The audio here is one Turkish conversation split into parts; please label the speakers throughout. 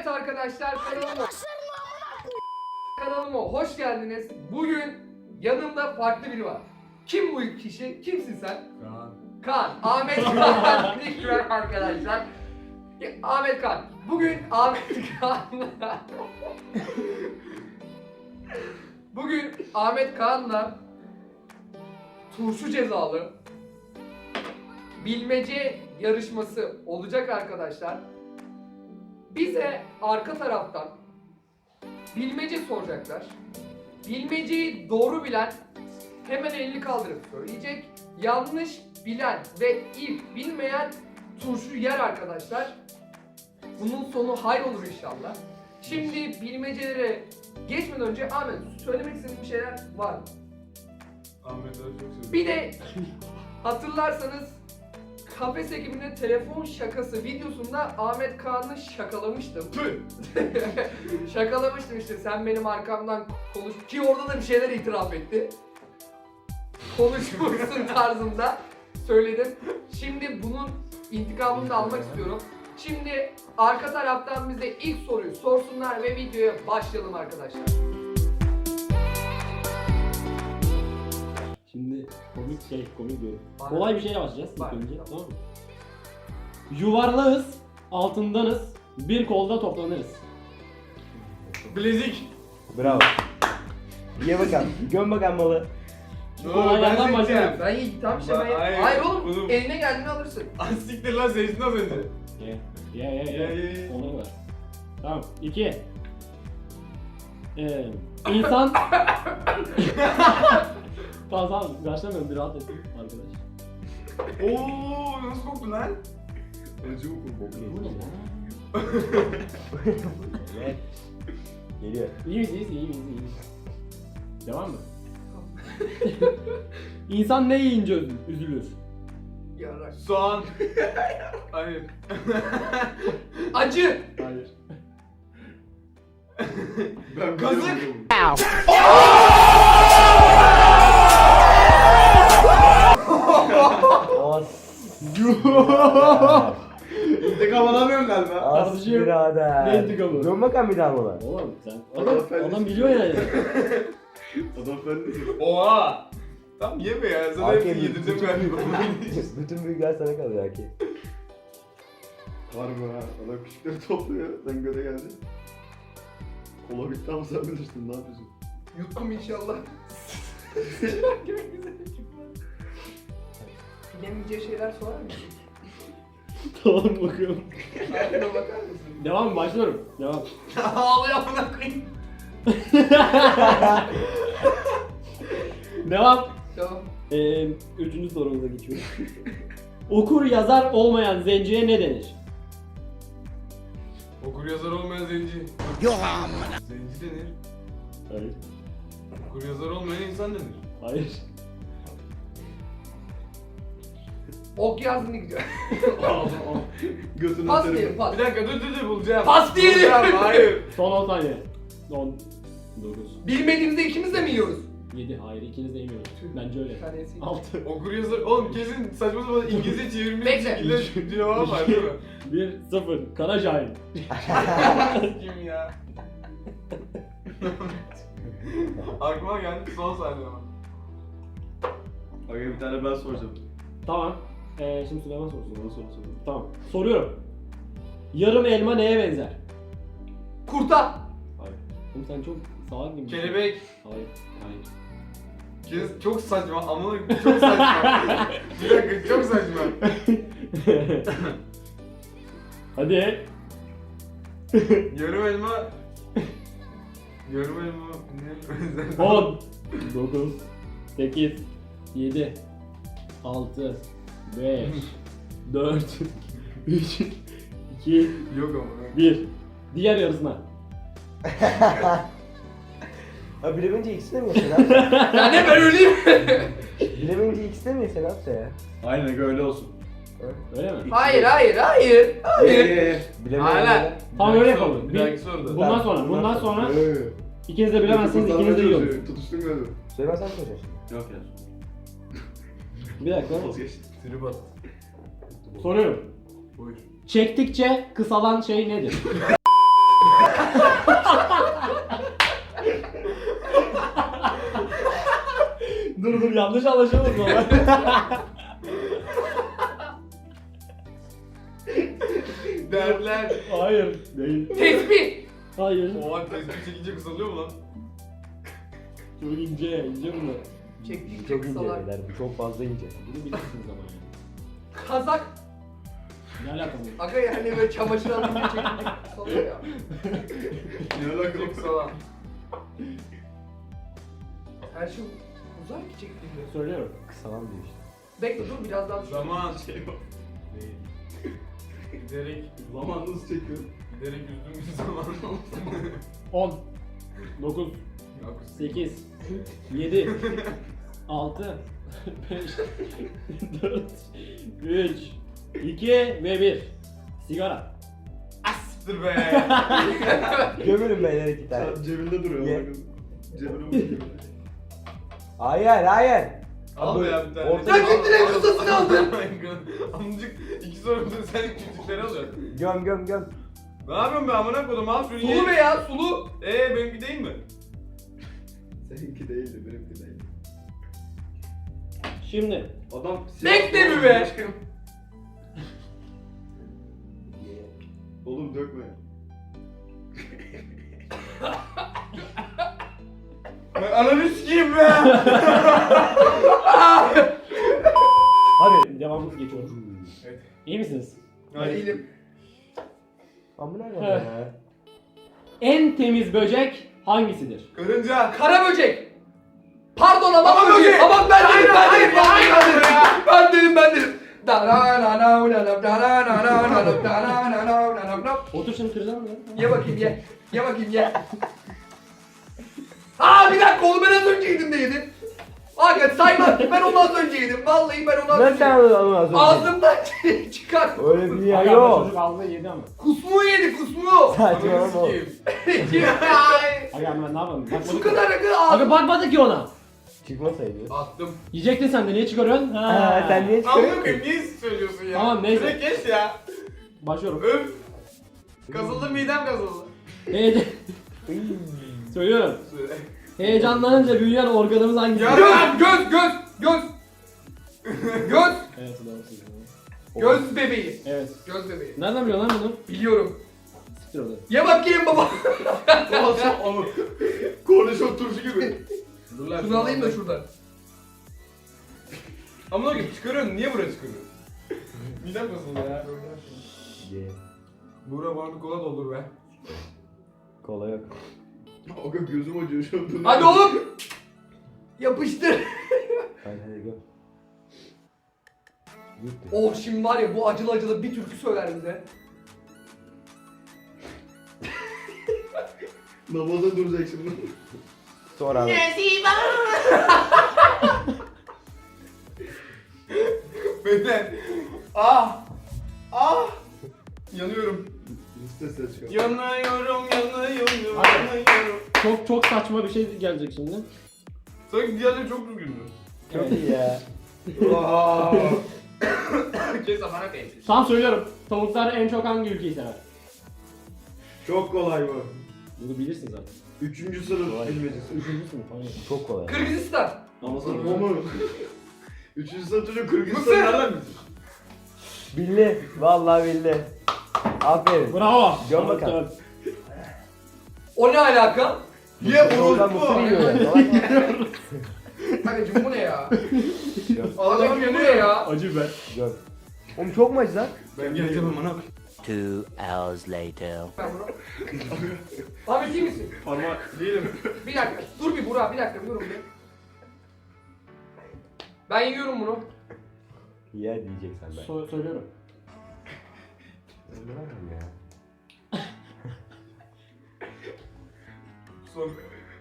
Speaker 1: arkadaşlar, kanalıma hoş geldiniz. Bugün yanımda farklı biri var. Kim bu kişi? Kimsin sen? Kaan. Ahmet Kaan. İkram arkadaşlar. Ahmet Kaan. Bugün Ahmet Kaan'la Bugün Ahmet Kaan'la turşu cezalı bilmece yarışması olacak arkadaşlar. Bize arka taraftan bilmece soracaklar. Bilmeceyi doğru bilen hemen elini kaldırıp söyleyecek. Yanlış bilen ve ilk bilmeyen turşu yer arkadaşlar. Bunun sonu hayır olur inşallah. Şimdi bilmecelere geçmeden önce Ahmet, söylemek istediğin bir şeyler var mı?
Speaker 2: Ahmet'e çok seviyorum.
Speaker 1: Bir de hatırlarsanız Kafes ekibinin telefon şakası videosunda Ahmet Kaan'ı şakalamıştım. Şakalamıştım işte, sen benim arkamdan konuş ki orada da bir şeyler itiraf etti. Konuşmuşsun tarzında söyledim. Şimdi bunun intikamını da almak istiyorum. Şimdi arka taraftan bize ilk soruyu sorsunlar ve videoya başlayalım arkadaşlar.
Speaker 3: Şimdi komik diyorum.
Speaker 1: Bana-
Speaker 3: Kolay bir şeyle başlayacağız ilk
Speaker 1: Bak,
Speaker 3: önce.
Speaker 1: tamam.
Speaker 3: Tamam mı? Yuvarlağız, altındanız, bir kolda toplanırız.
Speaker 2: Bilezik.
Speaker 4: Bravo. Ye bakalım. Göm bakalım malı.
Speaker 3: Bu kolaylardan başlayalım.
Speaker 1: Ben iyi tamam işte ben...
Speaker 2: Hayır,
Speaker 1: Hayır oğlum,
Speaker 2: bunu-
Speaker 1: eline geldiğini alırsın.
Speaker 2: Siktir lan seyircinin az önce.
Speaker 3: Ye. Onları ver. Tamam. 2. İnsan... Tamam, başlamıyorum, bir rahat et arkadaş.
Speaker 2: Ooo nasıl koktu lan? Acı mı koktu?
Speaker 3: Bu ne lan?
Speaker 4: Evet. Geliyor.
Speaker 3: İyi miyiz? Devam mı? İnsan ne yiyince üzülür?
Speaker 1: Yarak.
Speaker 2: Soğan. Hayır.
Speaker 1: Acı.
Speaker 3: Hayır.
Speaker 2: Ben
Speaker 1: Kazık.
Speaker 2: İntikam alamıyorum galiba.
Speaker 4: As
Speaker 3: Kardeşim,
Speaker 4: birader.
Speaker 3: ne intikamı?
Speaker 4: Göm bakalım bir daha malı.
Speaker 3: Oğlum sen
Speaker 2: Adam
Speaker 3: adam biliyor yani.
Speaker 2: Adam ben Oha. Tamam yeme ya. Sana
Speaker 4: Hakem,
Speaker 2: hepsini yedirdim galiba.
Speaker 4: Bütün büyükler sana kalıyor Haki.
Speaker 5: Harbi ha, adam küçükleri topluyor, sen göre geldin. Kola bitti ama sen bilirsin, ne yapıyorsun?
Speaker 1: Yuttum inşallah. Bilemeyeceği şeyler sorar mısın?
Speaker 3: Tamam, bakıyorum.
Speaker 1: Aklına bakar mısın?
Speaker 3: Devam mı? Başlıyorum. Devam.
Speaker 1: Ağlıyor amına koyayım.
Speaker 3: Devam.
Speaker 1: Tamam.
Speaker 3: Üçüncü sorumuza geçiyoruz. Okur yazar olmayan zenciye ne denir?
Speaker 2: Okur yazar olmayan zenci. Yok amına. Zenci denir.
Speaker 3: Hayır.
Speaker 2: Okur yazar olmayan insan denir.
Speaker 3: Hayır.
Speaker 1: Ok yazdığını gidiyor.
Speaker 5: Götünü
Speaker 1: Pas
Speaker 5: atarım.
Speaker 1: diyelim, pas.
Speaker 2: Bir dakika dur bulacağım.
Speaker 1: Pas diyelim.
Speaker 2: Bulacağım, hayır.
Speaker 3: Son 10 saniye. 10. 9.
Speaker 1: Bilmediğimizde ikimiz de mi yiyoruz?
Speaker 3: 7. Hayır, ikiniz de yemiyoruz. Bence öyle.
Speaker 1: Tanesi.
Speaker 3: 6.
Speaker 2: Okur yazar. Oğlum kesin saçma sapan İngilizce çevirmiş bir
Speaker 1: Bekle.
Speaker 2: şekilde cevap var değil mi?
Speaker 3: 1. 0. Kara cahil.
Speaker 2: Kim ya? Aklıma geldi son saniye ama.
Speaker 5: Aga bir tane ben soracağım.
Speaker 3: Tamam. Şimdi Süleyman sorsun.
Speaker 5: Bana soru sor.
Speaker 3: Tamam. Soruyorum. Yarım elma neye benzer?
Speaker 1: Kurta.
Speaker 3: Hayır. Oğlum sen çok salak gibi.
Speaker 2: Kelebek.
Speaker 3: Hayır. Hayır.
Speaker 2: Kes çok saçma ama çok saçma. Bir dakika çok saçma.
Speaker 3: Hadi.
Speaker 2: Yarım elma. Yarım elma ne?
Speaker 3: 10. 9. 8. 7. 6. 5. 4. 3. 2.
Speaker 2: Yok ama.
Speaker 3: 1. Diğer yarısına.
Speaker 4: Ha bilemeyince ikisi de mi yesen
Speaker 1: Ya ne ben öleyim?
Speaker 4: Bilemeyince ikisi de mi yesen abi ya?
Speaker 5: Aynen aga öyle olsun.
Speaker 3: Öyle mi?
Speaker 1: Hayır.
Speaker 4: Bilemeyince.
Speaker 3: Tamam öyle yapalım.
Speaker 2: Bir dahaki soruda.
Speaker 3: Bundan sonra ikiniz de bilemezsiniz, ikiniz de yiyorsunuz.
Speaker 5: Tutuştun galiba.
Speaker 4: Süleyman sen soracaksın.
Speaker 5: Yok ya.
Speaker 3: Bir dakika.
Speaker 5: Vazgeçtim.
Speaker 2: Trip at.
Speaker 3: Soruyorum.
Speaker 2: Buyur.
Speaker 3: Çektikçe kısalan şey nedir? Dur yanlış anlaşılmasın ama.
Speaker 2: Derler.
Speaker 3: Hayır. Değil.
Speaker 1: Tespih.
Speaker 3: Hayır.
Speaker 2: Oha tespih çekince kısalıyor mu lan?
Speaker 3: Çok ince, ince bunlar.
Speaker 1: Çektikçe
Speaker 4: Çok ince
Speaker 1: kısalar.
Speaker 4: beyler. Bu çok fazla ince.
Speaker 3: Bunu bilirsiniz ama yani.
Speaker 1: Kazak.
Speaker 3: Ne alaka bu?
Speaker 1: Aga yani böyle çamaşır alınca çektikçe kısalıyor ya.
Speaker 5: Ne alakalı?
Speaker 2: Çok kısa.
Speaker 1: Her şey uzar ki çektiğinde.
Speaker 3: Söylüyorum.
Speaker 4: Kısalan diyor işte.
Speaker 1: Bekle dur biraz daha düşün.
Speaker 2: Zaman.
Speaker 5: Şey var.
Speaker 2: Değil. Giderek,
Speaker 5: Zaman nasıl çekiyor?
Speaker 2: giderek üzdüğümüz zaman.
Speaker 3: 10 9
Speaker 2: Yok.
Speaker 3: 8 7 6 5 4 3 2 ve 1 Sigara.
Speaker 2: Asittir be.
Speaker 4: Gömülün beyler iki tane.
Speaker 5: Sen cebinde duruyor.
Speaker 4: Ye.
Speaker 5: bakın. Cebine bakıyor.
Speaker 4: Hayır hayır.
Speaker 2: Al be ya bir tane.
Speaker 4: Orta-
Speaker 1: Ya gittin en kısasını aldın.
Speaker 2: Amcık iki sorumda sen küçükleri alıyorsun.
Speaker 4: Göm göm göm.
Speaker 2: Ne yapıyorsun be amına koydum al şunu
Speaker 1: Sulu be ya sulu.
Speaker 2: Benimki değil mi?
Speaker 5: Seninki değildi, benimki değildi.
Speaker 3: Şimdi
Speaker 5: Adam
Speaker 1: Bekle mi be?
Speaker 5: Oğlum dökme.
Speaker 2: Ananı sikeyim be.
Speaker 3: hadi devamımız geçiyoruz.
Speaker 2: Evet.
Speaker 3: İyi misiniz?
Speaker 1: Değilim.
Speaker 4: Amına
Speaker 3: Heh.
Speaker 4: koyayım ya.
Speaker 3: En temiz böcek hangisidir?
Speaker 2: Karınca.
Speaker 1: Kara böcek. Pardon ama
Speaker 2: Ama
Speaker 1: böcek.
Speaker 2: böcek.
Speaker 1: Aman ben dedim ben
Speaker 2: Hayır,
Speaker 1: dedim.
Speaker 2: hayır,
Speaker 1: Ben dedim.
Speaker 2: hayır.
Speaker 1: Ben dedim ben dedim. Da
Speaker 3: Otur şimdi kıracağım ya.
Speaker 1: Ye bakayım ye. Ye bakayım ye. Aa bir dakika onu ben az önce yedim de yedim. Aga saymaz ben onu az önce yedim. Vallahi ben onu az
Speaker 4: Nasıl
Speaker 1: önce
Speaker 4: sen
Speaker 1: yedim.
Speaker 4: onu az önce?
Speaker 1: Ağzımdan çıkar.
Speaker 4: Öyle bir dünya
Speaker 3: Aga,
Speaker 4: yok.
Speaker 3: Çocuk ağzına yedi ama.
Speaker 1: Kusmu yedi kusmu.
Speaker 4: Saçmalama
Speaker 2: Ananı
Speaker 4: oğlum.
Speaker 2: sikeyim.
Speaker 3: Aga ben ne yapalım?
Speaker 1: Şu
Speaker 3: Bakmadık.
Speaker 1: kadar aga
Speaker 3: Aga
Speaker 1: ağzım.
Speaker 3: bakmadık ki ona.
Speaker 4: Çıkmasaydı.
Speaker 2: Attım.
Speaker 3: Yiyecektin sen de niye çıkarıyorsun?
Speaker 4: Ha, sen niye
Speaker 2: Amına
Speaker 4: çıkarıyorsun?
Speaker 2: koyayım niye söylüyorsun ya?
Speaker 3: Tamam, neyse.
Speaker 2: Direkt geç ya.
Speaker 3: Başlıyorum.
Speaker 2: Öf. Kazıldı midem kazıldı.
Speaker 3: Heyecan... Söylüyorum.
Speaker 2: Söyle.
Speaker 3: Heyecanlanınca büyüyen organımız hangisi?
Speaker 2: Ya-
Speaker 1: Göz göz göz göz. Göz.
Speaker 3: Evet doğru söylüyorsun.
Speaker 1: Göz bebeği.
Speaker 3: Evet.
Speaker 1: Göz bebeği.
Speaker 3: Nereden biliyorsun lan bunu?
Speaker 1: Biliyorum.
Speaker 3: Siktir orada.
Speaker 1: Ye bakayım baba.
Speaker 5: Olsa onu. Kornişon turşu gibi.
Speaker 2: Dur lan.
Speaker 1: Şunu alayım da şuradan.
Speaker 2: Amına koyayım çıkarıyorsun niye buraya çıkarıyorsun? Midem kazıldı ya.
Speaker 4: Ye.
Speaker 2: Buğra bana bir kola doldur be.
Speaker 4: Kola yok.
Speaker 5: Aga gözüm acıyor şu an.
Speaker 1: Hadi oğlum. Yapıştır.
Speaker 4: Hadi göm. Gitti.
Speaker 1: Oh şimdi var ya bu acılı acılı bir türkü söyler bize.
Speaker 5: Namaza duracak şimdi.
Speaker 4: Sonra abi.
Speaker 2: Beyler. Ah. Ah. Yanıyorum.
Speaker 5: Liste ses çıkar.
Speaker 2: Yanıyorum, yanıyorum,
Speaker 3: Hadi.
Speaker 2: yanıyorum.
Speaker 3: Çok saçma bir şey gelecek şimdi.
Speaker 2: Sanki diğerleri çok düzgündü.
Speaker 4: Çok iyi ya.
Speaker 5: Aa.
Speaker 2: Kes amına koyayım.
Speaker 3: Tam söylüyorum. Tavuklar en çok hangi ülkeyi sever?
Speaker 5: Çok kolay bu.
Speaker 3: Bunu bilirsin zaten.
Speaker 5: 3. sınıf
Speaker 4: Kolay.
Speaker 5: bilmecesi.
Speaker 3: Üçüncüsü mü? Hayır.
Speaker 4: Çok kolay.
Speaker 1: Kırgızistan.
Speaker 3: Ama sana
Speaker 5: O mu? 3. sınıf çocuk Kırgızistan
Speaker 2: Mısır.
Speaker 5: nereden bilir?
Speaker 4: Bildi. Vallahi bildi. Aferin.
Speaker 3: Bravo.
Speaker 4: Göm bakalım.
Speaker 1: O ne alaka?
Speaker 2: Ye
Speaker 4: Oradan
Speaker 2: orospu.
Speaker 4: mısır yiyor ya. Salak mı?
Speaker 1: Kardeşim bu ne ya?
Speaker 4: Göm.
Speaker 1: Allah'ım bu ne ya?
Speaker 3: Acı be.
Speaker 4: Göm. Oğlum çok mu acı lan?
Speaker 2: Ben geleceğim amına.
Speaker 6: 2 hours later.
Speaker 1: Ben bunu. Ahmet iyi misin?
Speaker 3: Parmak.
Speaker 2: Değilim.
Speaker 1: Bir dakika. Dur bir Burak bir dakika yorum bir. Ben yiyorum bunu.
Speaker 4: Yer diyeceksen ben.
Speaker 3: Söylüyorum.
Speaker 4: Öldüremem ya.
Speaker 2: Son.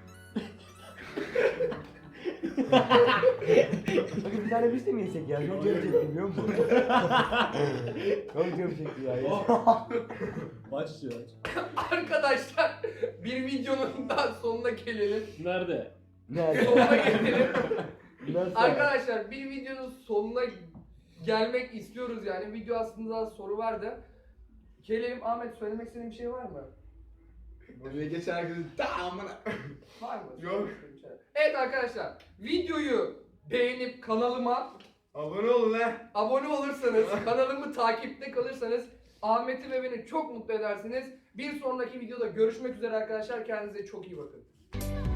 Speaker 4: Bakın bir tane biz de mi yesek ya? Çok canım çekti biliyor musun? Çok canım çekti ya.
Speaker 3: Aç ya aç.
Speaker 1: Arkadaşlar bir videonun daha sonuna gelelim.
Speaker 3: Nerede?
Speaker 4: Nerede?
Speaker 1: Sonuna gelelim.
Speaker 4: Nasıl?
Speaker 1: Arkadaşlar bir videonun sonuna gelmek istiyoruz yani. Video aslında soru vardı. Gelelim Ahmet söylemek istediğin bir şey var mı?
Speaker 2: Buraya geçen herkesin ta amına.
Speaker 1: Var mı?
Speaker 2: Yok.
Speaker 1: Evet arkadaşlar videoyu beğenip kanalıma
Speaker 2: Abone olun lan.
Speaker 1: abone olursanız, kanalımı takipte kalırsanız Ahmet'i ve beni çok mutlu edersiniz. Bir sonraki videoda görüşmek üzere arkadaşlar. Kendinize çok iyi bakın.